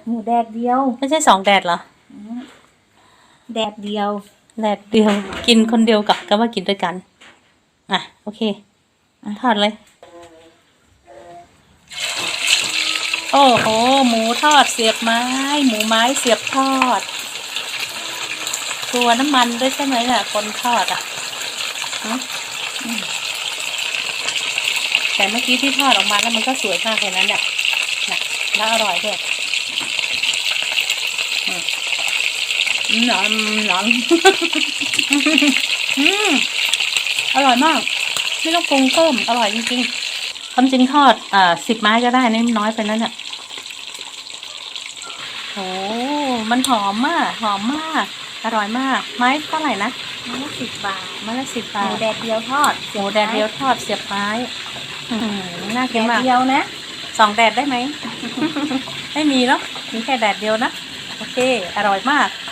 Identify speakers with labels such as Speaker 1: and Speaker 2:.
Speaker 1: หมูแดดเดียว
Speaker 2: ไม่ใช่2 แดดเหรอ
Speaker 1: แดดเดียว
Speaker 2: แดดเดียวกินคนเดียวกับก็ว่ากินด้วยกันอ่ะโอเคทอดเลยโอ้โหหมูทอดเสียบไม้หมูไม้เสียบทอดตัวน้ำมันด้วยใช่ไหมเนี่ยคนทอดอ่ะแต่เมื่อกี้ที่ทอดออกมาแล้วมันก็สวยมากเลยนะเนี่ยแล้วอร่อยด้วยหนอนอร่อยมากไม่ต้องปรุงเพิ่มอร่อยจริงๆความจริงทอด10 ไม้ก็ได้นี่น้อยไปนั่นเนี่ยโอ้มันหอมมากอร่อยมากไม้เท่าไหร่นะ
Speaker 1: ไม้ละ10 บาท
Speaker 2: ไม้ละ10 บาท
Speaker 1: หมูแดดเดียวทอด
Speaker 2: หมูแดดเดียวทอดเสียบไม้น่ากินมาก
Speaker 1: แดดเดียวนะ
Speaker 2: 2 แดดได้ไหม ไม่มีเนาะมีแค่แดดเดียวนะโอเคอร่อยมาก